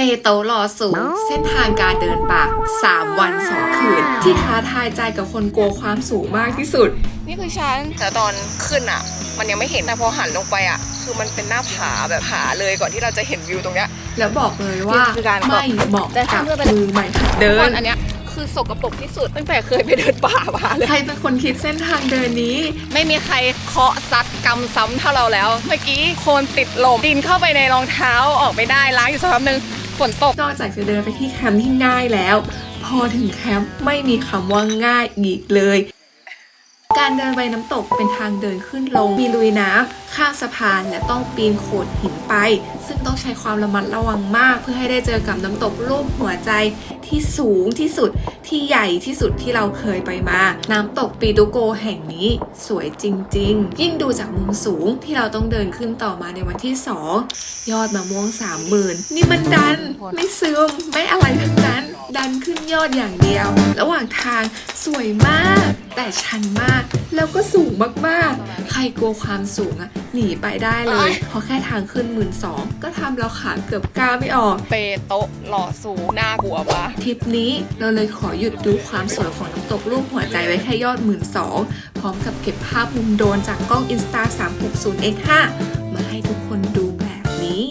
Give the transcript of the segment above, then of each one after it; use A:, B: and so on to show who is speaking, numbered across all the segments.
A: โตะลอสูงเส้นทางการเดินป่า3 วัน 2 คืนที่ท้าทายใจกับคนกลัวความสูงมากที่สุด
B: นี่คือฉันแต่ตอนขึ้นอ่ะมันยังไม่เห็นแต่พอหันลงไปอ่ะคือมันเป็นหน้าผาแบบผาเลยก่อนที่เราจะเห็นวิวตรงเนี้ย
A: แล้วบอกเลยว่าไม่เหมาะกับมือใหม่หัดเดิน
B: อันเนี้ยคือสกปรกที่สุดตั้งแต่เคยไปเดินป่ามาเลย
A: ใครเป็นคนคิดเส้นทางเดินนี้
B: ไม่มีใครเคาะซัดกำซ้ำเท่าเราแล้วเมื่อกี้โคลนติดลมดินเข้าไปในรองเท้าออกไม่ได้ล้างอยู่สักพักนึงฝนตก
A: นอกจากจะเดินไปที่แคมป์ที่ง่ายแล้วพอถึงแคมป์ไม่มีคำว่าง่ายอีกเลยการเดินไปน้ำตกเป็นทางเดินขึ้นลงมีลุยน้ำข้ามสะพานและต้องปีนโขดหินไปซึ่งต้องใช้ความระมัดระวังมากเพื่อให้ได้เจอกับน้ำตกรูปหัวใจที่สูงที่สุดที่ใหญ่ที่สุดที่เราเคยไปมาน้ำตกปีตุโกแห่งนี้สวยจริงๆยิ่งดูจากมุมสูงที่เราต้องเดินขึ้นต่อมาในวันที่2ยอดมะม่วง30,000นี่มันดันไม่ซึมไม่อะไรทั้งนั้นดันขึ้นยอดอย่างเดียวระหว่างทางสวยมากแต่ชันมากแล้วก็สูงมากๆใครกลัวความสูงอะหนีไปได้เลยเพราะแค่ทางขึ้น12,000ก็ทำเราขาเกือบก้าวไม่ออก
B: เปโตะหล่อสูงน่ากลัวปะ
A: ทริปนี้เราเลยขอหยุดดูความสวยของน้ำตกรูปหัวใจไว้แค่ยอด12,000พร้อมกับเก็บภาพมุมโดรนจากกล้อง Insta 360X5 มาให้ทุกคนดูแบบนี้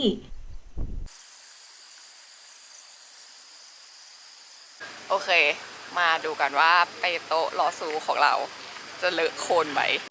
B: โอเคมาดูกันว่าเปโตะหล่อสูงของเราจะเลอะโคลนไหม